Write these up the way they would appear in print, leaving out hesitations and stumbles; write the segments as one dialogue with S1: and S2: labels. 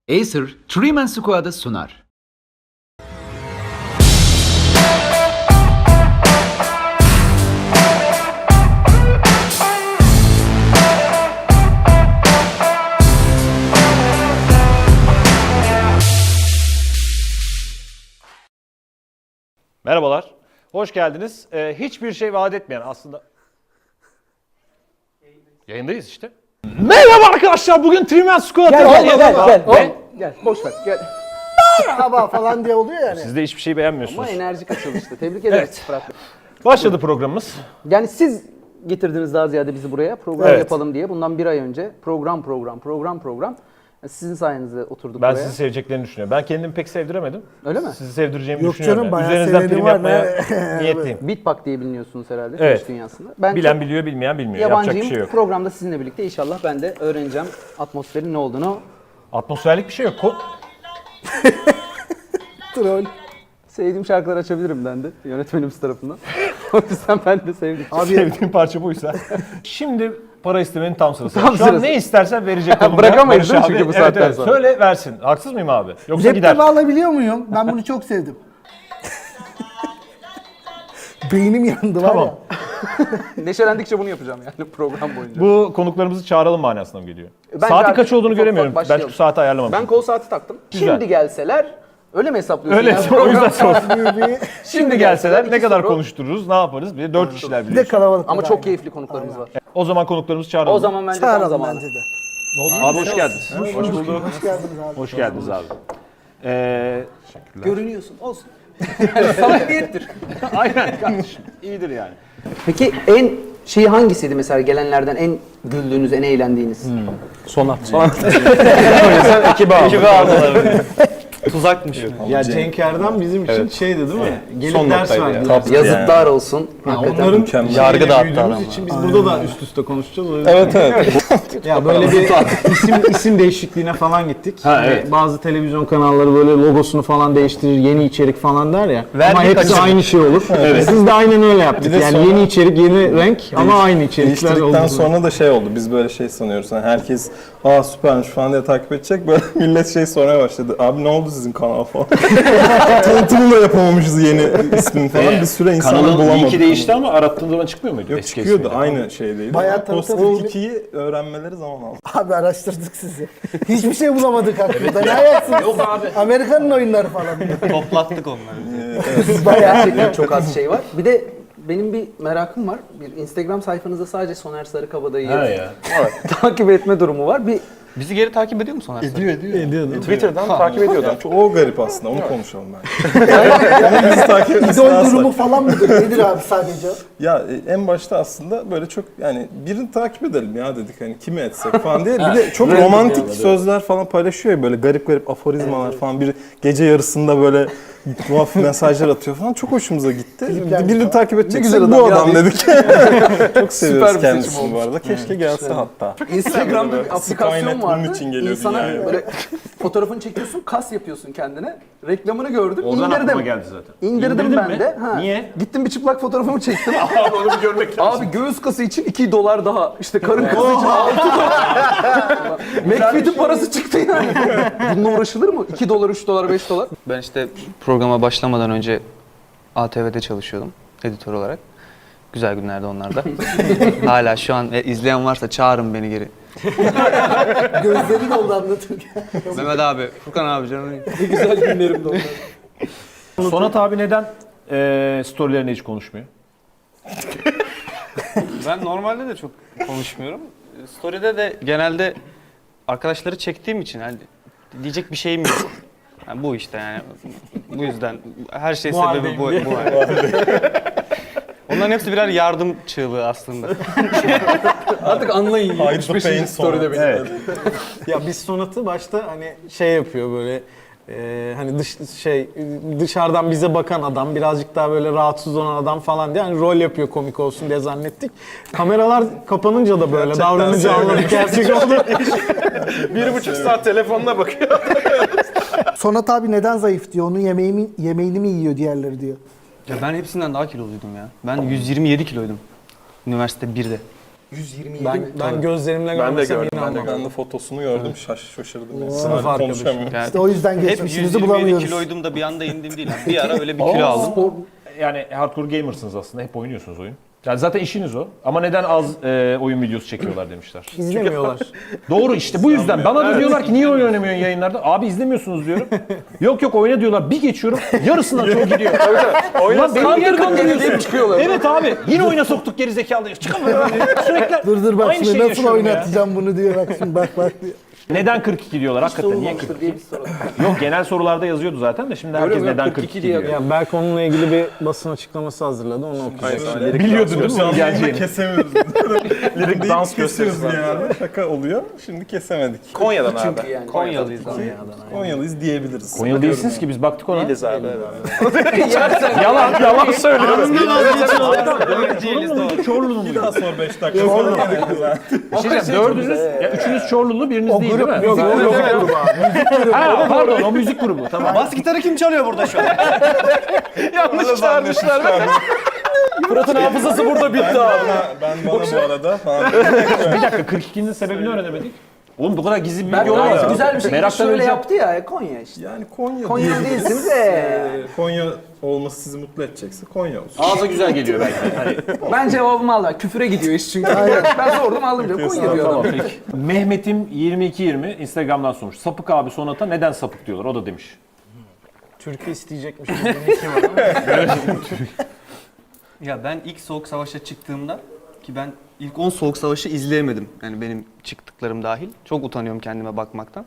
S1: Acer, Three-Man Squad'ı sunar.
S2: Merhabalar, hoş geldiniz. Hiçbir şey vaat etmeyen aslında... Yayındayız işte. Merhaba arkadaşlar, bugün Three-Man Squad'ı...
S3: Gel, boş ver, gel. Merhaba falan diye oluyor yani.
S2: Siz de hiçbir şey beğenmiyorsunuz.
S3: Ama enerjik açılıştı. Tebrik ederiz Fırat Bey.
S2: Başladı programımız.
S3: Yani siz getirdiniz daha ziyade bizi buraya. Program
S2: Evet.
S3: yapalım diye. Bundan bir ay önce program. Sizin sayenizde oturduk
S2: Ben
S3: buraya.
S2: sizi seveceklerini düşünüyorum. Ben kendimi pek sevdiremedim.
S3: Öyle mi?
S2: Sizi sevdireceğimi
S4: Yok
S2: düşünüyorum.
S4: canım, bayağı
S2: Üzerinizden
S4: seveni
S2: prim
S4: var.
S2: yapmaya niyetliyim.
S3: Bitpak diye biliniyorsunuz herhalde
S2: Evet.
S3: Twitch dünyasında. Ben
S2: Bilen
S3: çok
S2: biliyor, bilmeyen bilmiyor. Yapacak
S3: yabancıyım.
S2: bir şey yok.
S3: Programda sizinle birlikte inşallah ben de öğreneceğim atmosferin ne olduğunu.
S2: Atmosferlik bir şey yok.
S3: Troll. Sevdiğim şarkılar açabilirim ben de yönetmenimiz tarafından. O yüzden ben de sevdim.
S2: Sevdiğim parça buysa. Şimdi para istemenin tam sırası.
S3: Tam
S2: Şu an
S3: sırası.
S2: ne istersen verecek oğlum.
S3: Bırakamayız
S2: Barış
S3: değil mi
S2: abi?
S3: çünkü bu saatten sonra?
S2: Söyle versin. Haksız mıyım abi? Yoksa gider.
S4: Laptop alabiliyor muyum? Ben bunu çok sevdim. Beynim yandı var
S2: Tamam.
S4: ya.
S3: Neşelendikçe bunu yapacağım yani program boyunca.
S2: Bu konuklarımızı çağıralım manasına mı geliyor?
S3: Bence
S2: Saati
S3: artık
S2: kaç olduğunu
S3: ufak
S2: göremiyorum.
S3: ufak
S2: Ben
S3: başlayalım.
S2: şu saati ayarlamamışım.
S3: Ben kol saati taktım.
S2: Güzel.
S3: Şimdi gelseler öyle mi hesaplıyorsun?
S2: Öyle,
S3: yani?
S2: o yüzden sordum.
S4: Bir
S2: Şimdi gelseler ne
S3: iki
S2: kadar
S3: soru.
S2: konuştururuz, ne yaparız? Bir de 4 kişiler
S4: de
S2: biliyorsun.
S4: kalabalık.
S3: Ama
S4: var
S3: çok
S4: yani.
S3: keyifli konuklarımız var.
S2: O zaman konuklarımızı çağıralım.
S3: O zaman bence tam
S4: Çağıralım
S3: zamanı.
S4: bence de.
S2: Abi hoş geldiniz. Hoş bulduk.
S4: Hoş geldiniz abi.
S2: Hoş geldiniz abi.
S3: Görünüyorsun. Olsun. Samimiyettir.
S2: Aynen kardeşim. İyidir yani.
S3: Peki en şeyi hangisiydi mesela gelenlerden en güldüğünüz, en eğlendiğiniz?
S5: Sonat.
S2: Ekibi aldılar.
S5: Tuzakmış.
S6: Ya Cenk Erdem bizim için şeydi değil mi? Gelip
S5: Son
S6: ders
S5: noktaydı
S6: verdi.
S5: ya.
S3: Yazıklar olsun. Hakikaten.
S6: Onların
S5: Mükemmel.
S6: yargı
S5: Yargı dağıttı adam
S6: büyüdüğümüz için biz burada da üst üste konuşacağız. O yüzden.
S5: Evet.
S6: Ya böyle bir isim değişikliğine falan gittik. Hani
S2: evet.
S6: bazı televizyon kanalları böyle logosunu falan değiştirir, yeni içerik falan der ya.
S5: Verdik
S6: ama hepsi
S5: kaçırdık.
S6: aynı şey olur. Siz de aynen öyle yaptık.
S5: Bir de
S6: Yani
S5: sonra-
S6: yeni içerik, yeni renk ama aynı içerikler
S5: Değiştirdikten
S6: oldu.
S5: sonra da şey oldu. Biz böyle şey sanıyoruz. Yani herkes süpermiş falan diye takip edecek. Böyle millet şey sormaya başladı. Abi ne oldu sizin kanal falan. Tanıtımını da yapamamışız yeni ismini falan. Bir süre insanlar
S2: Kanalın
S5: bulamadık.
S2: linki değişti ama arattığın zaman çıkmıyor muydu?
S5: Yok
S2: Eski
S5: çıkıyordu.
S2: ismiyle?
S5: Aynı şeydeydi.
S4: Bayağı
S5: Post
S4: tanıtım-
S5: 2'yi öğrenmeleri zaman aldı.
S4: Abi araştırdık sizi. Hiçbir şey bulamadık hakkında. Ne ayaksınız? Yok abi. Amerikan'ın oyunları falan.
S5: Toplattık onları.
S3: Gerçekten çok az şey var. Bir de benim bir merakım var. Bir Instagram sayfanızda sadece Soner Sarıkabadayı'yı
S2: Ha ya.
S3: takip etme durumu var. Bir
S7: Bizi geri takip ediyor mu Soner?
S5: Ediyordu. Twitter'dan takip ediyordu. O garip aslında. Onu konuşalım bence. Bizi takip etmesi
S4: İdol
S5: lazım.
S4: durumu falan mıdır? Nedir abi sadece?
S5: Ya en başta aslında böyle çok yani birini takip edelim ya dedik hani kimi etsek falan diye. Bir de çok romantik sözler falan paylaşıyor ya böyle garip garip aforizmalar falan. Bir gece yarısında böyle tuhaf mesajlar atıyor falan. Çok hoşumuza gitti. Birini takip edeceksek
S3: güzel
S5: bu
S3: adam ya
S5: adam dedik. Çok seviyoruz
S3: bir seçim
S5: kendisini bu arada. Keşke gelse hatta.
S3: Instagram'da bir aplikasyon
S5: Skynet
S3: vardı.
S5: bunun için geliyor
S3: İnsana
S5: dünyaya.
S3: böyle fotoğrafını çekiyorsun, kas yapıyorsun kendine. Reklamını gördüm,
S2: Oradan aklıma
S3: indirdim.
S2: geldi zaten.
S3: İndirdim
S2: İndirdin
S3: ben
S2: mi?
S3: de. Ha.
S2: Niye?
S3: Gittim bir çıplak fotoğrafımı çektim.
S2: Abi onu bir görmek lazım.
S3: Abi göğüs kası için $2 daha. İşte karın kası için $6. McFit'in parası çıktı yani. Bununla uğraşılır mı? $2, $3, $5.
S7: Ben işte programa başlamadan önce ATV'de çalışıyordum editör olarak. Güzel günlerdi onlar da. Hala şu an izleyen varsa çağırın beni geri.
S4: Gözleri doldu anlatırken.
S7: Mehmet abi, Furkan abi canım.
S3: Ne güzel günlerimdi onlar.
S2: Sonat abi neden storylerine hiç konuşmuyor?
S7: Ben normalde de çok konuşmuyorum. Story'de de genelde arkadaşları çektiğim için hani diyecek bir şeyim yok. Yani bu işte yani. Bu yüzden her şey sebebi bu. Onların hepsi birer yardım çığlığı aslında.
S3: Artık anlayın.
S5: Hide the
S3: 75.
S5: pain
S3: story'de benim.
S2: Evet.
S6: Ya biz Sonat'ı başta hani şey yapıyor böyle hani dışarıdan bize bakan adam birazcık daha böyle rahatsız olan adam falan diye hani rol yapıyor komik olsun diye zannettik. Kameralar kapanınca da böyle davranınca anladık gerçek oldu.
S2: 1,5 saat telefonuna bakıyor.
S4: Sonat abi neden zayıf diyor. Onun yemeğini mi yiyor diğerleri diyor.
S7: Ya ben hepsinden daha kiloluydum ya. Ben 127 kiloydum. Üniversite 1'de.
S3: 127
S6: Ben gözlerimle görmesem inanmam.
S5: Ben de fotosunu gördüm, şaşırdım. Yani.
S6: Sınıf
S5: Hala
S6: arkadaşım.
S5: konuşamıyorum.
S4: İşte o yüzden
S7: Hep
S4: geçmişimizi
S7: 127
S4: bulamıyoruz.
S7: kiloydum da bir anda indim değil. Bir ara öyle bir kilo aldım.
S2: Yani hardcore gamersınız aslında. Hep oynuyorsunuz oyun. Yani zaten işiniz o. Ama neden az oyun videosu çekiyorlar demişler.
S6: İzlemiyorlar.
S2: Doğru işte bu yüzden. Bana da diyorlar ki niye oyun oynamıyorsun yayınlarda? Abi izlemiyorsunuz diyorum. Yok oyna diyorlar. Bir geçiyorum. Yarısından çok gidiyor. Ulan beni niye kandırıyorsun?
S3: çıkıyorlar.
S2: Evet abi. Yine oyuna soktuk gerizekalıyı. Çıkamıyorum. Sürekli
S4: Dur bak
S2: aynı
S4: şimdi
S2: şeyi
S4: nasıl
S2: yaşıyorum ya.
S4: oynatacağım bunu diyor bak şimdi bak diyor.
S2: Neden 42 diyorlar hakikaten? Niye 42? Yok genel sorularda yazıyordu zaten de şimdi herkes
S3: Öyle mi?
S2: neden
S3: 42
S2: 42
S3: diye
S2: diyor.
S6: Ya Berk onunla ilgili bir basın açıklaması hazırladı. Onu okuyacağız.
S2: Biliyordun değil mi bunun geleceğini?
S5: Kesemiyoruz. Lirik dans kesiyoruz yani. Şaka oluyor. Şimdi kesemedik.
S8: Konya'dan abi.
S3: Çünkü yani.
S7: Konyalıyız abi.
S5: Konyalıyız diyebiliriz.
S2: Konyalı değilsiniz ki biz baktık ona.
S8: Değiliz abi.
S2: Yalan söylüyoruz. Çorlu'nun mu?
S5: Bir daha sor 5 dakika. Sonra gerek güzel.
S2: Bir şey diyeceğim, dördünüz, ya üçünüz Çorlulu, biriniz değil değil mi?
S6: Yok,
S2: Ha, pardon o müzik grubu tamam.
S7: Bas gitarı kim çalıyor burada şu an?
S8: Yanlış çağırmışlar.
S3: Fırat'ın hafızası burada bitti abi.
S5: Ben bana bu arada falan.
S2: Bir dakika 42'nin sebebini öğrenemedik. Oğlum bu kadar gizli bir
S3: Ben
S2: bilgi olamaz.
S3: gayet güzel bir şekilde
S2: Meraktan
S3: şöyle
S2: öleceğim.
S3: yaptı ya. Konya işte.
S5: Yani Konya
S3: Konyalı
S5: diyebiliriz.
S3: değilsiniz de.
S5: Konya olması sizi mutlu edecekse Konya olsun.
S2: Ağza güzel geliyor belki. Hani,
S3: Ben cevabımı aldım. Küfüre gidiyor iş çünkü. Ben sordum aldım diyor. Konya diyor adam.
S2: tamam peki. Mehmet'im 2220 Instagram'dan sormuş. Sapık abi Sonat'a neden sapık diyorlar? O da demiş.
S6: Türkiye isteyecekmiş. Bizimki var ama.
S7: Ya ben ilk Soğuk Savaş'a çıktığımda ki ben ilk 10 Soğuk Savaş'ı izleyemedim. Yani benim çıktıklarım dahil. Çok utanıyorum kendime bakmaktan.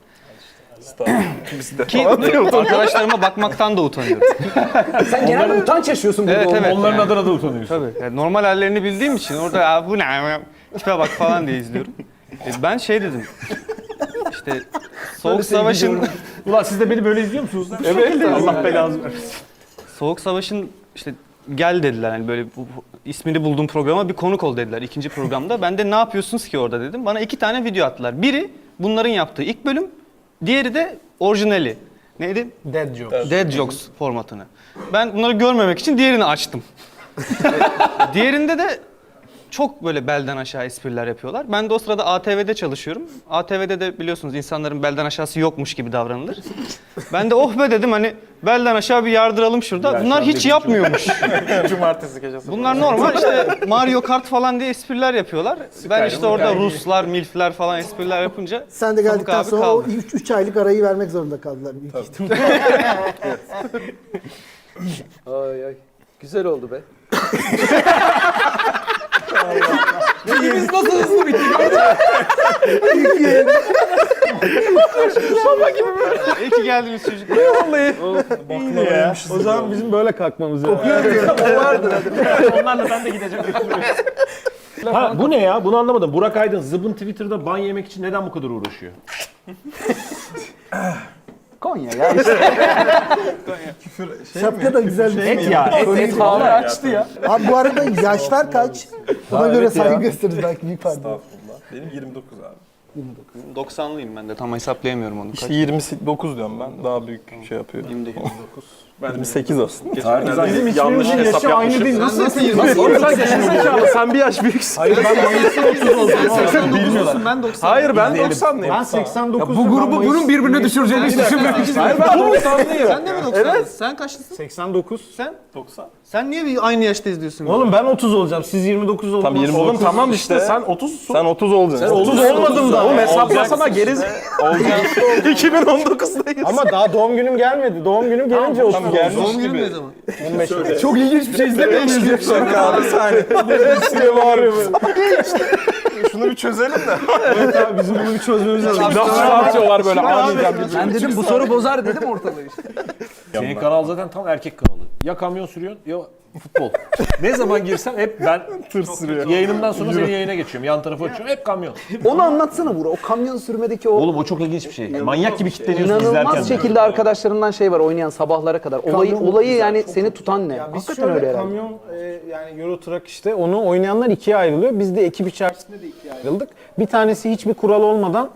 S7: Ki arkadaşlarıma bakmaktan da utanıyorum.
S3: Sen genelde utanç yaşıyorsun burada.
S7: Evet,
S3: olmak.
S7: evet.
S2: Onların adına da utanıyorsun.
S7: Tabii. Yani normal hallerini bildiğim için orada ya bu ne tipe bak falan diye izliyorum. Ben şey dedim. İşte Soğuk Savaş'ın
S2: Ulan siz de beni böyle izliyor musunuz? Evet. Allah belanızı versin.
S7: Soğuk Savaş'ın işte gel dediler hani böyle ismini bulduğum programa bir konuk ol dediler ikinci programda. Ben de ne yapıyorsunuz ki orada dedim. Bana 2 tane video attılar. Biri bunların yaptığı ilk bölüm, diğeri de orijinali. Neydi?
S6: Dead joke.
S7: Dead Jokes formatını. Ben bunları görmemek için diğerini açtım. Diğerinde de çok böyle belden aşağı espriler yapıyorlar. Ben de o sırada ATV'de çalışıyorum. ATV'de de biliyorsunuz insanların belden aşağısı yokmuş gibi davranılır. Ben de oh be dedim hani belden aşağı bir yardıralım şurada. Bunlar hiç yapmıyormuş.
S8: Cumartesi gecesi.
S7: Bunlar normal işte Mario Kart falan diye espriler yapıyorlar. Ben işte orada Ruslar, Milfler falan espriler yapınca
S4: Sen de
S7: Sapık
S4: geldikten
S7: abi
S4: sonra o
S7: kaldı.
S4: 3 aylık arayı vermek zorunda kaldılar büyük ihtimalle.
S3: Ay ay. Güzel oldu be.
S7: Biz nasıl hızlı bitti İyi ki geldiniz çocuklar.
S6: O zaman bizim böyle kalkmamız lazım.
S2: Onlarla ben de gideceğim. Ha, bu ne ya? Bunu anlamadım. Burak Aydın zıbın Twitter'da ban yemek için neden bu kadar uğraşıyor?
S3: Konya ya işte.
S4: Şapka da güzel bir şey.
S2: Et ya. Et
S3: Abi açtı ya.
S4: Abi bu arada yaşlar kaç? Buna göre saygı gösteririz belki büyük pardon.
S5: Estağfurullah. Benim 29 abi.
S7: 90'lıyım ben de tam hesaplayamıyorum onu.
S5: İşte 29 diyorum ben. Daha büyük şey yapıyorum.
S7: 29.
S5: Ben 28 aslında.
S6: Bizim
S8: Yanlış
S6: hiçbirimizin
S8: hesap
S6: yaşı aynı
S8: yapmışım.
S6: değil. Nasıl
S5: 28 sen bir yaş büyüksün.
S6: Hayır ben Mayıs'ın 30 oldum.
S7: 89'lusun ben 90.
S8: Hayır ben 90'lıyım.
S6: Ben 89.
S3: Bu grubu bunun birbirine düşüreceğini hiç düşünmemiştim.
S8: Hayır ben 90'lıyım.
S7: Sen de mi 90? Evet. Sen kaçlısın?
S6: 89.
S7: Sen?
S5: 90.
S7: Sen niye bir aynı yaşta izliyorsun?
S6: Oğlum ben 30 olacağım. Siz 29 oldunuz.
S5: Tam 29.
S8: Oğlum tamam işte sen 30'sun.
S5: Sen 30 olacaksın.
S6: 30 olmadım da.
S8: Oğlum hesaplasana geriz. 2019'dayız.
S6: Ama daha doğum günüm gelmedi. Doğum günüm gelince 30 oldu.
S7: Doğum günün ne zaman?
S6: 15 oldu.
S3: Çok ilginç bir şey izlememiştim.
S5: Abi saniye.
S6: Size bağırıyor böyle.
S8: Şunu bir çözelim de.
S6: Evet abi bizim bunu bir çözmemiz lazım.
S8: Nasıl atıyorlar böyle aniden
S3: Ben dedim bu soru bozar dedim ortalığı işte.
S2: Senin kanal zaten tam erkek kanalı. Ya kamyon sürüyorsun ya futbol. Ne zaman girsem hep ben tır sürüyorum. Yayınımdan sonra senin yayına geçiyorum. Yan tarafa açıyorum. Hep kamyon.
S3: Onu anlatsana Burak. O kamyon sürmedeki o
S2: Oğlum o çok ilginç bir şey. Manyak gibi kitleniyorsun izlerken.
S3: inanılmaz şekilde arkadaşlarından şey var oynayan sabahlara kadar. Olayı yani seni tutan ne?
S6: Biz
S3: Hakikaten
S6: şöyle
S3: öyle herhalde.
S6: kamyon yani Euro Truck işte onu oynayanlar ikiye ayrılıyor. Biz de ekip içerisinde de ikiye ayrıldık. Bir tanesi hiçbir kural olmadan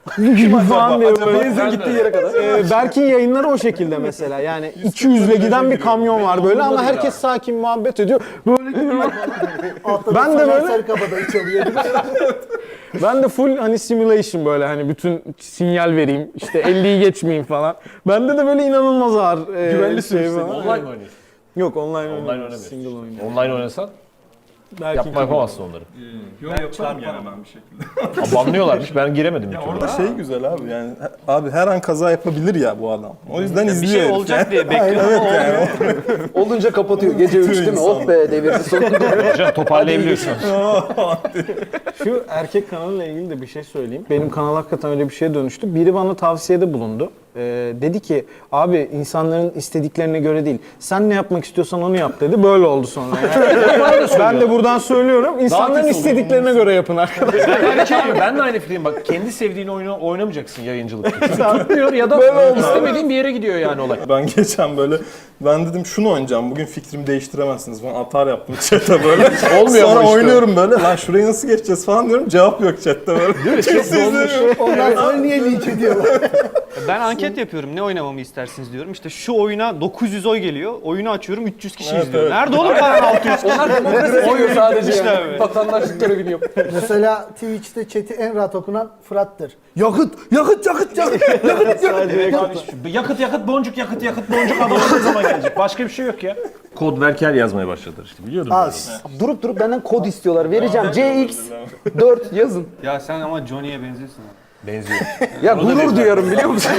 S6: falan diye böyle. Benzin gittiği yere kadar. Berk'in yayınları o şekilde mesela. Yani 200'le giden bir kamyon var böyle ama herkes sakin muhabbet ediyor. Böyle gidiyor. Ben de böyle
S4: Sarıkabadayı çalıyor.
S6: ben de full hani simulation böyle hani bütün sinyal vereyim işte 50'yi geçmeyeyim falan. Bende de böyle inanılmaz ağır
S2: Güvenli
S6: şey
S2: sürüş.
S6: var.
S2: Online mi oynuyorsun?
S6: Yok online
S2: Online
S6: oynamıyorum.
S2: oynamıyorsun.
S6: Single oynuyorum.
S2: Online oynasan yapamazsın onları.
S5: Yok çarpamam bir şekilde.
S2: Banlıyorlarmış. Ben giremedim.
S5: Ya orada şey güzel abi yani abi her an kaza yapabilir ya bu adam. O yüzden
S7: Bir
S5: izliyor.
S7: şey
S5: herif
S7: olacak
S5: yani.
S7: diye bekliyorum ama olmuyor.
S3: Olunca kapatıyor. Gece 3 değil mi? Oh be devirdi sonunda.
S2: Hocam toparlayabiliyorsun.
S6: Şu erkek kanalıyla ilgili de bir şey söyleyeyim. Benim kanal hakikaten öyle bir şeye dönüştü. Biri bana tavsiyede bulundu. Dedi ki abi insanların istediklerine göre değil. Sen ne yapmak istiyorsan onu yap dedi. Böyle oldu sonra. Yani. Ben de buradan söylüyorum. İnsanların istediklerine göre yapın arkadaşlar.
S2: Ben de aynı fikirdeyim. Bak kendi sevdiğin oyunu oynamayacaksın yayıncılıkta. Çünkü tutmuyor ya da istemediğin bir yere gidiyor yani olay.
S5: Ben geçen böyle ben dedim şunu oynayacağım bugün fikrimi değiştiremezsiniz falan atar yaptım chat'e böyle.
S2: Olmuyor
S5: Sonra
S2: ama işte.
S5: oynuyorum böyle lan şurayı nasıl geçeceğiz falan diyorum cevap yok chat'te böyle. Değil mi?
S2: Chat dolmuş.
S4: Ondan sonra niye linç ediyorlar?
S7: Ben anket yapıyorum. Ne oynamamı istersiniz diyorum. İşte şu oyuna 900 oy geliyor. Oyunu açıyorum 300 kişi izliyor.
S5: evet.
S7: Nerede oğlum kalan 600 kişi?
S3: Onlar demokrasi seviyor sadece
S7: İşte
S3: yani.
S7: abi.
S3: Vatandaşlık görevini yok.
S4: Mesela Twitch'te chat'i en rahat okunan Fırat'tır. Yakıt, yakıt, yakıt, yakıt, yakıt, yakıt.
S2: Yakıt boncuk adam ne zaman gelecek? Başka bir şey yok ya. Kod verker yazmaya başladılar işte biliyordum.
S4: Az.
S3: Durup benden kod istiyorlar. Vereceğim. CX4 yazın.
S7: Ya sen ama Johnny'ye benziyorsun abi.
S2: Benziyor.
S3: Ya gurur duyuyorum biliyor musun?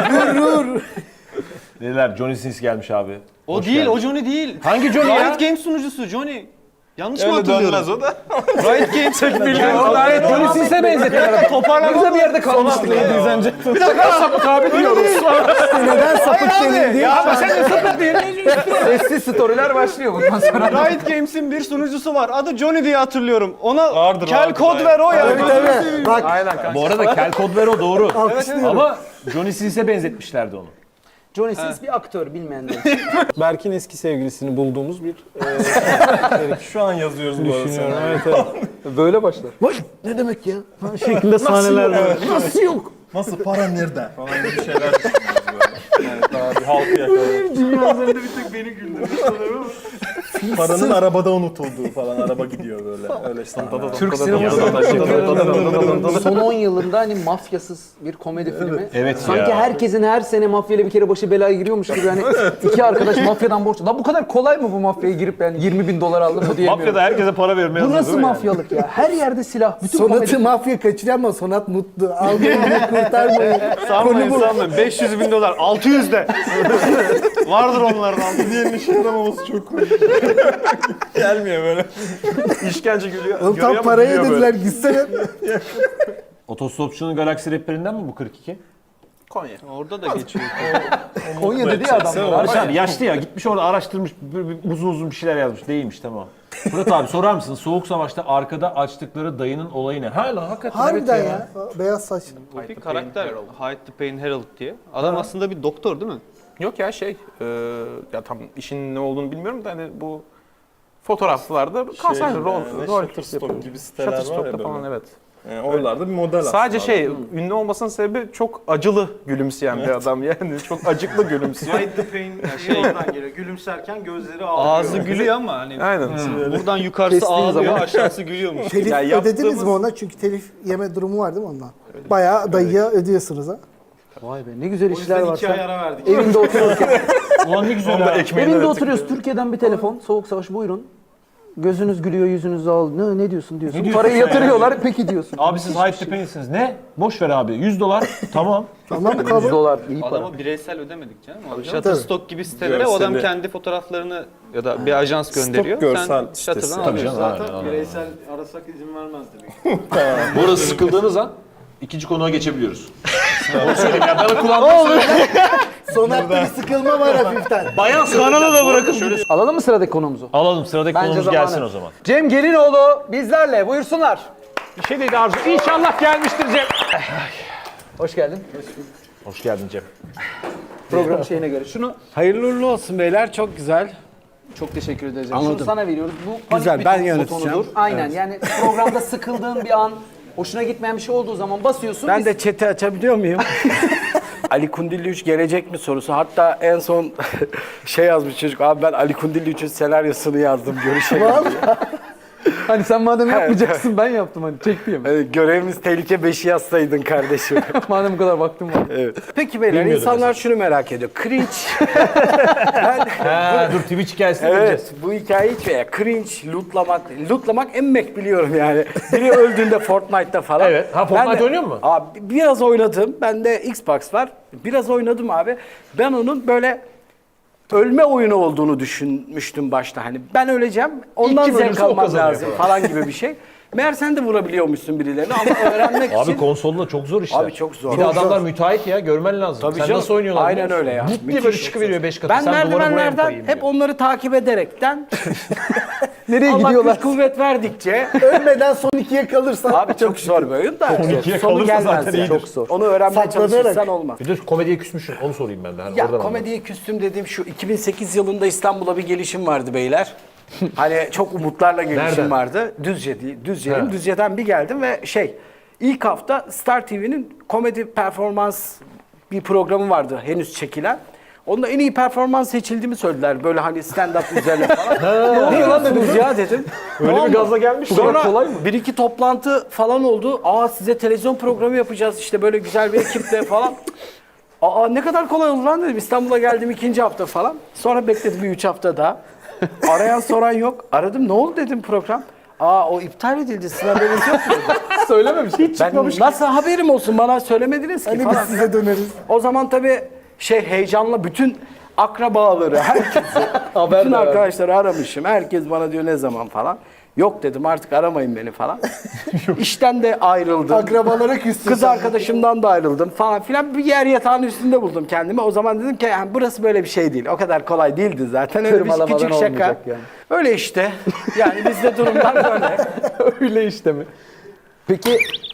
S2: Dediler Johnny Sins gelmiş abi.
S7: O
S2: Hoş
S7: değil,
S2: geldin.
S7: o Johnny değil.
S2: Hangi Johnny ya?
S7: Riot Games sunucusu Johnny. Yanlış mı
S8: Öyle
S7: hatırlıyorum?
S8: dönmez o da.
S7: Riot Games
S2: Gayet Johnny Sins'e benzettiler.
S3: Toparlanırsa bir yerde kalmıştık.
S2: Bir dakika sapık abi diyoruz.
S4: Neden sapık denildi?
S2: Ya ama sen de sapık değil.
S3: Sessiz storyler başlıyor bundan sonra.
S7: Riot Games'in bir sunucusu var. Adı Johnny diye hatırlıyorum. Ona
S8: Vardır,
S7: kel
S8: vardır,
S7: kod
S8: aynen.
S7: ver o ya.
S4: Tabii. Bak
S2: Bu arada Kel Kodvero doğru.
S4: alkışlıyorum.
S2: Ama Johnny Sins'e benzetmişlerdi onu.
S3: Johnny Sins bir aktör bilmeyenler.
S6: Berk'in eski sevgilisini bulduğumuz bir
S5: Şu an yazıyoruz bu arada.
S6: düşünüyorum.
S5: sana.
S6: Evet, evet.
S3: Böyle başlar.
S4: Ne demek ya?
S6: Şeklinde sahneler var.
S4: Nasıl yok?
S5: Nasıl para nerede? Falan gibi şeyler düşünüyoruz böyle. Yani daha bir halkı yakalayalım.
S7: Dünya üzerinde bir tek beni güldürdü sanırım.
S5: Paranın arabada unutulduğu falan araba gidiyor böyle. Öyle sahneler.
S3: Türk sineması son 10 yılında hani mafyasız bir komedi filmi.
S2: Evet
S3: Sanki
S2: ya.
S3: herkesin her sene mafyayla bir kere başı belaya giriyormuş gibi hani iki arkadaş mafyadan borç. Lan bu kadar kolay mı bu mafyaya girip yani 20.000 dolar aldım mı diyemiyorum.
S2: Mafyada herkese para vermeye
S3: Bu
S2: hazır
S3: nasıl
S2: değil mi yani?
S3: mafyalık ya? Her yerde silah. Bütün
S4: Sonat'ı
S3: komedi.
S4: mafya kaçırıyor ama Sonat mutlu. Almayın, kurtarmayın.
S7: Sanmayın sanmayın. 500 bin dolar. 600 de. Vardır onlardan.
S5: Diğerinin işe yaramaması çok komik. Gelmiyor böyle.
S2: İşkence gülüyor.
S4: Oğlum tam parayı ödediler gitsene.
S2: Otostopçunun Galaksi rehberinden mi bu 42?
S7: Orada da geçiyor.
S3: Konya dedi ya adamlar.
S2: Barış abi yaşlı ya gitmiş orada araştırmış uzun uzun bir şeyler yazmış. Değilmiş tamam. Fırat abi sorar mısın Soğuk Savaş'ta arkada açtıkları dayının olayı ne? Hala hakikaten
S4: Harbiden
S2: evet
S4: ya. Beyaz saç.
S7: Bir karakter. Hide the Pain Herald diye. Adam aslında bir doktor değil mi?
S8: Yok ya ya tam işin ne olduğunu bilmiyorum da hani bu fotoğraflarda kanser rol
S5: Shutterstock gibi siteler var ya
S8: Shutterstock'ta
S5: böyle.
S8: falan evet.
S5: Yani oralarda bir model
S8: Sadece
S5: aslında.
S8: ünlü olmasının sebebi çok acılı gülümseyen bir adam yani çok acıklı gülümsüyor.
S6: Hide the pain şey oradan geliyor. Gülümserken gözleri ağlıyor.
S7: Ağzı gülüyor ama hani
S8: Aynen.
S7: buradan yukarısı
S3: Kestiğin
S7: ağlıyor,
S3: zaman-
S7: aşağısı gülüyormuş.
S4: Telif
S8: Ya
S4: ödediniz mi ona? Çünkü telif yeme durumu var değil mi ondan? Bayağı dayıya ödüyorsunuz ha.
S3: Vay be ne güzel
S6: O
S3: işler
S6: yüzden
S3: var.
S6: 2 ay ara verdik.
S3: Evinde otururken.
S2: Ulan ne güzel ha.
S3: Evinde oturuyoruz. Türkiye'den bir telefon. Soğuk savaş buyurun. Gözünüz gülüyor, yüzünüz ağlıyor. Ne diyorsun diyorsun. Parayı yatırıyorlar. Peki diyorsun.
S2: Abi siz Hype the Pain'siniz. Ne? Boş ver abi. $100 tamam.
S4: Tamam mı
S3: 100
S4: kabul?
S3: dolar iyi para.
S7: Adama bireysel ödemedik canım. Shutterstock gibi sitelere o adam
S5: Görseli.
S7: kendi fotoğraflarını ya da bir ajans gönderiyor.
S5: görsel
S7: Sen
S5: sitesi.
S7: Shutter'dan
S2: Tabii
S7: alıyorsun.
S2: canım.
S6: Zaten
S2: aynen.
S6: bireysel arasak izin vermezdi.
S2: Bu arada sıkıldığınız an ikinci konuğa geçebiliyoruz. Onu söyleyeyim ya. Bana kulağımda
S4: Sonat'ta bir sıkılma var hafiften.
S2: bayan kanalı da bırakın. Şöyle
S3: Alalım mı sıradaki konumuzu?
S2: alalım sıradaki
S3: Bence
S2: konumuz
S3: zamanı.
S2: gelsin o zaman.
S3: Cem Gelinoğlu bizlerle. Buyursunlar.
S2: Bir şey dedi Arzu. İnşallah gelmiştir Cem.
S3: Hoş geldin.
S2: Hoş geldin Cem.
S3: Program şeyine göre. Şunu
S9: Hayırlı uğurlu olsun beyler. Çok güzel.
S3: çok teşekkür ederiz.
S9: Anladım.
S3: Şunu sana veriyoruz. Bu panik
S9: Güzel,
S3: bir
S9: ben
S3: butonudur.
S9: yöneteceğim.
S3: Aynen yani programda sıkıldığın bir an
S10: Hoşuna gitmeyen bir şey olduğu zaman basıyorsun.
S9: Ben de chat'i açabiliyor muyum? Ali Kundilli 3 gelecek mi sorusu. Hatta en son şey yazmış çocuk. Abi ben Ali Kundilli 3'ün senaryosunu yazdım. Görüşelim.
S3: Hani sen madem yapmayacaksın ben yaptım hani çekmeyeyim.
S9: Hani görevimiz tehlike 5'i yazsaydın kardeşim.
S3: Madem bu kadar vaktim var.
S9: Evet. Peki beyler insanlar şunu merak ediyor. Cringe.
S2: Dur Twitch hikayesine
S9: Evet,
S2: gireceğiz.
S9: bu hikaye hiç veya cringe, lootlamak emmek biliyorum yani. Biri öldüğünde Fortnite'ta falan.
S2: Evet. Ha, Fortnite
S9: Ben de-
S2: oynuyor musun?
S9: Abi biraz oynadım. Bende Xbox var. Biraz oynadım abi. Ben onun böyle ölme oyunu olduğunu düşünmüştüm başta. Hani ben öleceğim, ondan
S2: kim
S9: zevk
S2: ölürse o
S9: almam
S2: kazanıyor
S9: lazım falan gibi bir şey. Meğer sen de vurabiliyormuşsun birilerini ama öğrenmek
S2: Abi
S9: için...
S2: konsolda çok zor işler.
S9: Abi çok zor.
S2: Bir de adamlar müteahhit ya görmen lazım.
S9: Tabii
S2: Sen
S9: canım.
S2: nasıl oynuyorlar?
S9: Aynen
S2: biliyor musun?
S9: öyle ya.
S2: Vut diye
S9: Müthiş.
S2: böyle çıkıveriyor 5 katı.
S9: Ben
S2: Sen duvara buraya mı
S9: merdivenlerden
S2: koyayım
S9: hep
S2: diyor.
S9: onları takip ederekten
S3: Nereye
S9: Allah
S3: gidiyorlar?
S9: güç kuvvet verdikçe
S4: Ölmeden son ikiye kalırsan
S9: abi çok zor bir oyun da
S2: ikiye
S9: sonu
S2: kalırsa
S9: gelmez
S2: zaten
S9: yani.
S2: iyidir.
S9: Çok zor. Onu öğrenmeye
S4: Saklanarak.
S9: çalışırsan olmaz.
S2: Bir de komediye küsmüşsün onu sorayım ben de. Hani
S9: Ya
S2: oradan
S9: komediye küstüm dediğim şu 2008 yılında İstanbul'a bir gelişim vardı beyler. Hani çok umutlarla gelişim
S2: Nereden?
S9: vardı. Düzce değil, Düzce'nin.
S2: He.
S9: Düzce'den bir geldim ve ilk hafta Star TV'nin komedi performans bir programı vardı henüz çekilen. Onda en iyi performans seçildiğimi söylediler. Böyle hani stand-up üzerine falan. Ne oluyor lan dediniz ya dedim.
S2: Öyle
S9: Tamam
S2: bir
S9: mı?
S2: gazla gelmiş.
S9: Sonra
S2: Kolay mı?
S9: bir iki toplantı falan oldu. Aa size televizyon programı yapacağız işte böyle güzel bir ekiple falan. Aa ne kadar kolay oldu lan dedim. İstanbul'a geldim ikinci hafta falan. Sonra bekledim bir 3 hafta daha. Arayan soran yok. Aradım ne oldu dedim program. Aa o iptal edildi sizin haberiniz yok mu dedi.
S3: Söylememiş. Hiç
S9: Ben nasıl haberim olsun bana söylemediniz ki
S4: hani biz
S9: falan.
S4: size döneriz.
S9: O zaman tabii heyecanla bütün akrabaları, herkesi, bütün arkadaşları aramışım. Herkes bana diyor ne zaman falan. Yok dedim artık aramayın beni falan. İşten de ayrıldım.
S4: Akrabalara küstün.
S9: Kız
S4: sen.
S9: arkadaşımdan da ayrıldım falan filan. Bir yer yatağın üstünde buldum kendimi. O zaman dedim ki yani burası böyle bir şey değil. O kadar kolay değildi zaten. Öyle bir
S3: Tırmalamadan
S9: küçük şaka.
S3: olmayacak yani.
S9: Öyle işte. Yani bizde durumlar böyle.
S3: Öyle işte mi? Peki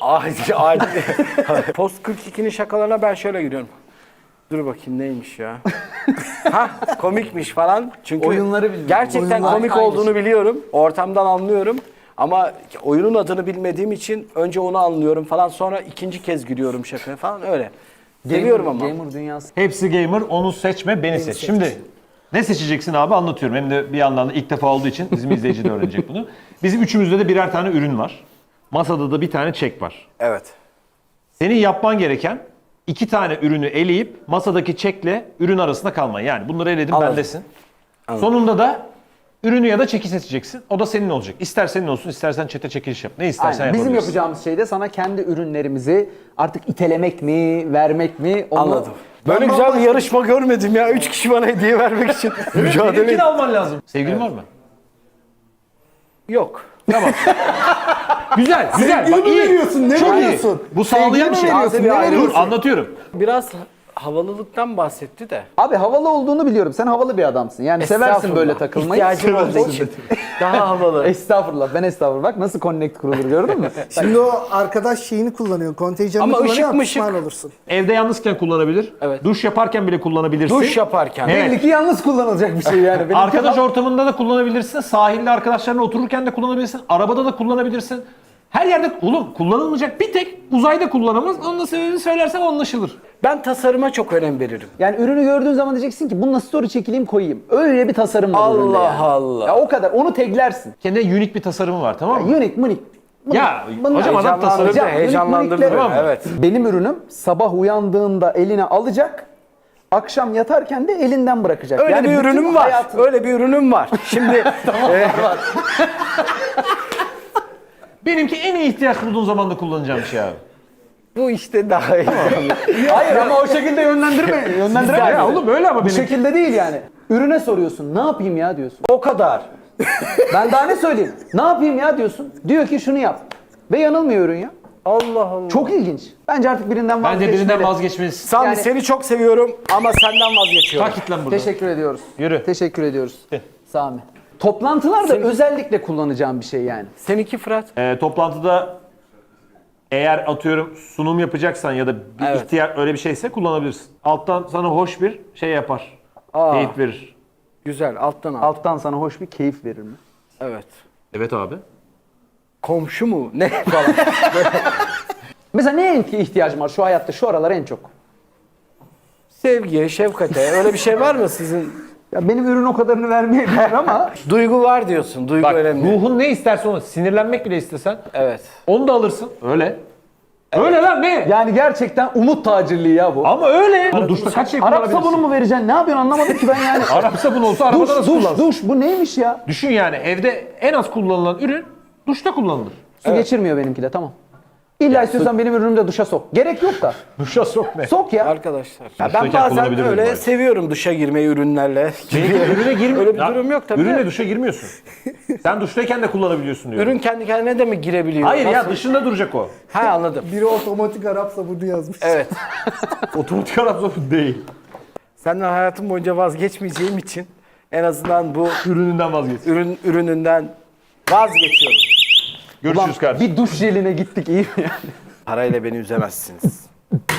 S9: Post 42'nin şakalarına ben şöyle giriyorum. Dur bakayım neymiş ya. Ha komikmiş falan. Çünkü
S3: Oyunları bilmiyorum.
S9: gerçekten
S3: Oyunlar
S9: komik
S3: hangisi?
S9: olduğunu biliyorum. Ortamdan anlıyorum. Ama oyunun adını bilmediğim için önce onu anlıyorum falan. Sonra ikinci kez gülüyorum şakaya falan öyle. Seviyorum ama.
S3: Gamer dünyası.
S2: Hepsi gamer, onu seçme, beni seç. Şimdi ne seçeceksin abi anlatıyorum. Hem de bir yandan da ilk defa olduğu için bizim izleyici de öğrenecek bunu. Bizim üçümüzde de birer tane ürün var. Masada da bir tane çek var.
S9: Evet.
S2: Senin yapman gereken 2 tane ürünü eleyip masadaki çekle ürün arasında kalman. Yani bunları eledim
S9: Anladım.
S2: bendesin. Sonunda da ürünü ya da çeki seçeceksin. O da senin olacak. İster senin olsun, istersen çete çekiliş yap. Ne istersen
S3: Aynen. Bizim
S2: yapabilirsin.
S3: yapacağımız şey de sana kendi ürünlerimizi artık itelemek mi, vermek mi? Onu...
S9: Anladım. Böyle güzel bir yarışma görmedim ya. 3 kişi bana hediye vermek için mücadele
S2: Benimkini alman lazım. Sevgilin var mı?
S9: Yok.
S2: Güzel, güzel.
S4: Sevgili
S2: Bak
S4: mi
S2: iyi.
S4: veriyorsun? Ne
S2: Çok iyi.
S4: veriyorsun?
S2: Bu sağlayan bir şey.
S3: veriyorsun, ne veriyorsun?
S2: Dur, anlatıyorum.
S9: Biraz havalılıktan bahsetti de.
S3: Abi havalı olduğunu biliyorum. Sen havalı bir adamsın. Yani seversin
S9: Estağfurullah.
S3: böyle takılmayı.
S9: İhtiyacım olduğu için. Daha havalı.
S3: Estağfurullah. Ben estağfurullah. Bak nasıl connect kurulur gördün mü?
S4: Şimdi o arkadaş şeyini kullanıyor. Kontenjanını
S9: Ama
S4: kullanıyor
S9: ışık
S4: ama
S9: mışık.
S4: pişman olursun.
S2: Evde yalnızken kullanabilir.
S9: Evet.
S2: Duş yaparken bile kullanabilirsin.
S9: Duş yaparken.
S2: Evet.
S3: Belli ki yalnız kullanılacak bir şey yani. Benimki
S2: Arkadaş ortamında da kullanabilirsin. Sahilde arkadaşlarla otururken de kullanabilirsin. Arabada da kullanabilirsin. Her yerde oğlum kullanılmayacak bir tek uzayda kullanamaz. Onun da sebebini söylersen anlaşılır.
S9: Ben tasarıma çok önem veririm.
S3: Yani ürünü gördüğün zaman diyeceksin ki bununla story çekileyim koyayım. Öyle bir tasarım var üründe
S9: Allah
S3: yani.
S9: Allah.
S3: Ya o kadar. Onu taglersin.
S2: Kendine unik bir tasarımı var tamam mı?
S3: Unik munik.
S2: Ya hocam adam tasarım.
S9: Heyecanlandırdı.
S3: Tamam mı?
S9: Evet.
S3: Benim ürünüm sabah uyandığında eline alacak. Akşam yatarken de elinden bırakacak.
S9: Öyle
S3: Yani
S9: bir
S3: bütün
S9: ürünüm var.
S3: hayatın-
S9: Öyle bir ürünüm var. Şimdi
S2: Benimki en iyi ihtiyaç bulduğun zaman da kullanacağım bir şey abi.
S9: bu işte daha iyi.
S3: Hayır ama o şekilde yönlendirme. Yönlendireme.
S2: Ya oğlum öyle ama
S3: Bu
S2: benim.
S3: şekilde değil yani. Ürüne soruyorsun. Ne yapayım ya diyorsun.
S9: O kadar.
S3: Ben daha ne söyleyeyim? Ne yapayım ya diyorsun. Diyor ki şunu yap. Ve yanılmıyor ürün ya.
S9: Allah Allah.
S3: Çok ilginç. Bence artık birinden
S2: Bence
S3: vazgeçmeli.
S2: birinden vazgeçmelisin.
S9: Sami
S3: Yani-
S9: seni çok seviyorum ama senden vazgeçiyorum.
S2: Takit lan burada.
S3: Teşekkür ediyoruz.
S2: Yürü.
S3: Teşekkür ediyoruz. Sami. Toplantılarda özellikle kullanacağım bir şey yani.
S9: Seninki Fırat.
S2: Toplantıda eğer atıyorum sunum yapacaksan ya da bir
S9: Evet.
S2: ihtiyaç öyle bir şeyse kullanabilirsin. Alttan sana hoş bir şey yapar. Keyif verir.
S9: Güzel alttan al.
S3: Alttan sana hoş bir keyif verir mi?
S9: Evet.
S2: Evet abi.
S9: komşu mu ne falan.
S10: Mesela neye ihtiyacım var şu hayatta şu aralar en çok?
S9: Sevgiye, şefkate öyle bir şey var mı sizin?
S10: Ya benim ürün o kadarını vermeyebilir ama
S9: Duygu var diyorsun. Duygu
S2: Bak
S9: önemli.
S2: ruhun ne isterse onu, sinirlenmek bile istesen
S9: Evet.
S2: onu da alırsın. Öyle. Öyle lan ne?
S10: yani gerçekten umut tacirliği ya bu.
S2: Ama öyle. Bu duşta kaç şey
S10: Arap
S2: kullanabilirsin?
S10: sabunu mu vereceksin? Ne yapıyorsun anlamadım ki ben yani.
S2: Arap sabunu olsa arabada nasıl kullansın?
S10: duş bu neymiş ya?
S2: Düşün yani evde en az kullanılan ürün duşta kullanılır.
S10: Su geçirmiyor benimki de tamam. İlla istiyorsan benim ürünümü de duşa sok. Gerek yok da.
S2: Duşa sok ne?
S10: Sok ya.
S9: Arkadaşlar. Ya ben
S2: Duştayken
S9: bazen
S2: kullanabilir miyim
S9: öyle
S2: bari?
S9: seviyorum duşa girmeyi ürünlerle.
S2: Ürüne girmiyor.
S9: Öyle bir durum yok tabii.
S2: Ürüne duşa girmiyorsun. Sen duştayken de kullanabiliyorsun diyor.
S9: Ürün kendi kendine de mi girebiliyor?
S2: Hayır ya
S9: Nasıl?
S2: dışında duracak o.
S9: Ha anladım.
S4: Biri otomatik Arap sabunu yazmış.
S9: Evet.
S2: Otomatik Arap sabunu değil.
S9: Senden hayatım boyunca vazgeçmeyeceğim için en azından bu
S2: Ürününden vazgeç.
S9: ürününden vazgeçiyorum.
S2: Görüşürüz kardeşim.
S10: Bir duş jeline gittik iyi mi yani?
S9: Parayla beni üzemezsiniz.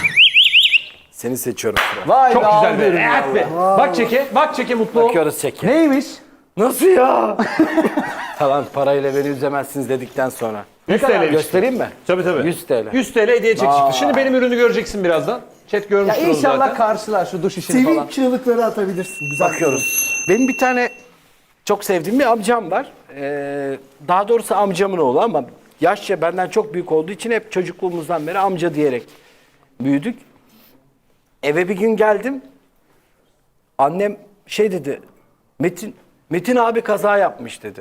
S9: Seni seçiyorum. Fırat.
S10: Vay
S2: Çok
S10: be
S2: güzel
S10: abi
S2: be.
S10: derim ya.
S2: Evet be. Bak çeke mutlu ol.
S9: Bakıyoruz çeki.
S10: Neymiş?
S9: Nasıl ya? Tamam parayla beni üzemezsiniz dedikten sonra.
S2: 100 TL.
S9: Göstereyim mi?
S2: Tabii.
S9: 100 TL.
S2: 100 TL hediye çek çıktı. Şimdi benim ürünü göreceksin birazdan. Chat
S10: Ya
S2: görmüştür onu
S10: inşallah
S2: zaten.
S10: karşılar şu duş işini falan.
S4: Sivil çığlıkları atabilirsin. Güzel.
S9: Bakıyoruz. Benim bir tane çok sevdiğim bir amcam var. Daha doğrusu amcamın oğlu ama yaşça benden çok büyük olduğu için hep çocukluğumuzdan beri amca diyerek büyüdük. Eve bir gün geldim. Annem şey dedi. Metin abi kaza yapmış dedi.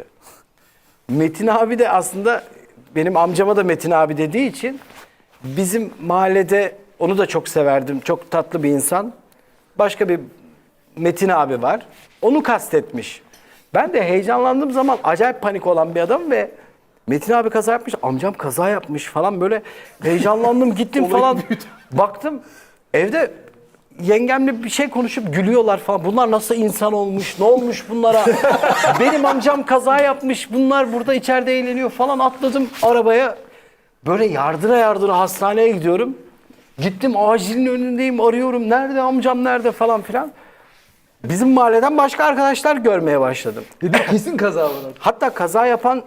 S9: Metin abi de aslında benim amcama da Metin abi dediği için bizim mahallede onu da çok severdim. Çok tatlı bir insan. Başka bir Metin abi var. Onu kastetmiş. Ben de heyecanlandığım zaman acayip panik olan bir adam ve Metin abi kaza yapmış, amcam kaza yapmış falan böyle heyecanlandım gittim falan. Baktım evde yengemle bir şey konuşup gülüyorlar falan. Bunlar nasıl insan olmuş, ne olmuş bunlara? Benim amcam kaza yapmış, bunlar burada içeride eğleniyor falan. Atladım arabaya. Böyle yardıra hastaneye gidiyorum. Gittim acilin önündeyim, arıyorum. Nerede amcam, nerede falan filan. Bizim mahalleden başka arkadaşlar görmeye başladım.
S10: Dedim kesin kaza var.
S9: Hatta kaza yapan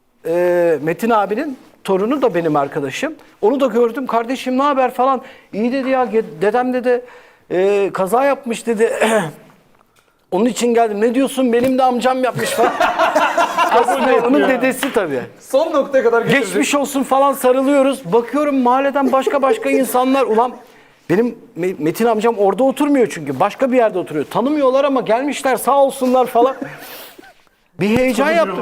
S9: Metin abinin torunu da benim arkadaşım. Onu da gördüm. Kardeşim ne haber falan. İyi dedi ya dedem dedi kaza yapmış dedi. Onun için geldim. Ne diyorsun? Benim de amcam yapmış falan. Aslında onun dedesi tabii.
S10: Son noktaya kadar getirdim.
S9: Geçmiş olsun falan sarılıyoruz. Bakıyorum mahalleden başka insanlar. Ulan benim Metin amcam orada oturmuyor çünkü. Başka bir yerde oturuyor. Tanımıyorlar ama gelmişler sağ olsunlar falan. Bir heyecan yaptım.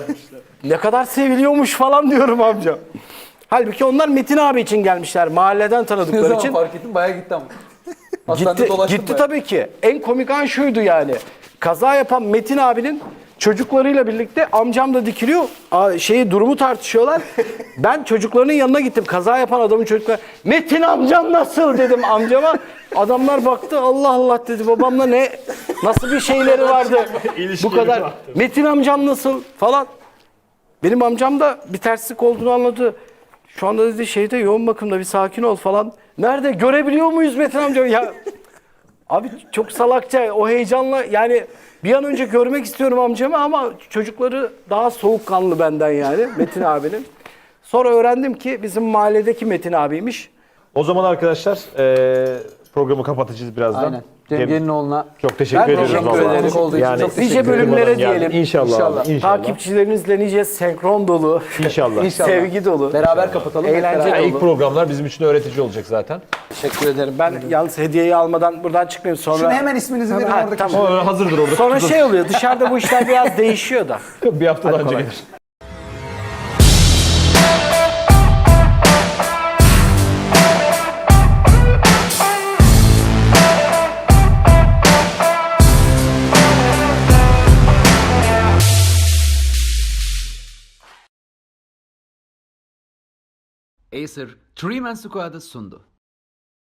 S9: Ne kadar seviliyormuş falan diyorum amca. Halbuki onlar Metin abi için gelmişler. Mahalleden
S10: Ne
S9: tanıdıkları
S10: zaman
S9: için.
S10: fark ettim bayağı gitti ama. Hastanede dolaştım
S9: Gitti
S10: bayağı.
S9: tabii ki. En komik an şuydu yani. Kaza yapan Metin abinin çocuklarıyla birlikte amcam da dikiliyor. Durumu tartışıyorlar. Ben çocuklarının yanına gittim. Kaza yapan adamın çocukları. Metin amcam nasıl dedim amcama. Adamlar baktı Allah Allah dedi babamla nasıl bir şeyleri vardı. Bu kadar. Metin amcam nasıl falan. Benim amcam da bir terslik olduğunu anladı. Şu anda dedi yoğun bakımda bir sakin ol falan. Nerede? Görebiliyor muyuz Metin amca? Ya abi çok salakça o heyecanla yani bir an önce görmek istiyorum amcamı ama çocukları daha soğukkanlı benden yani Metin abinin. Sonra öğrendim ki bizim mahalledeki Metin abiymiş.
S2: O zaman arkadaşlar programı kapatacağız birazdan.
S10: Aynen. Cem Gelinoğlu'na
S2: Çok teşekkür ediyoruz.
S9: teşekkür
S2: vallahi.
S9: ederim.
S10: olduğu için çok teşekkür
S9: Nice
S10: ederim.
S9: bölümlere
S2: Yani
S9: diyelim.
S2: İnşallah. abi, İnşallah.
S9: Takipçilerinizle nice senkron dolu,
S2: İnşallah.
S10: İnşallah.
S9: sevgi dolu.
S10: Beraber kapatalım. hep
S9: Eğlence
S10: beraber.
S2: Yani
S9: dolu.
S2: ilk programlar bizim için öğretici olacak zaten.
S9: Teşekkür ederim. Ben yalnız hediyeyi almadan buradan çıkmayayım sonra.
S10: Şunu hemen isminizi verin
S9: Ha,
S10: oradaki.
S9: tamam.
S2: O hazırdır orada.
S9: Sonra şey oluyor dışarıda bu işler biraz değişiyor da.
S2: Bir haftadan önce
S9: kolay.
S2: gelir.
S1: Acer, Three Man Squad'ı sundu.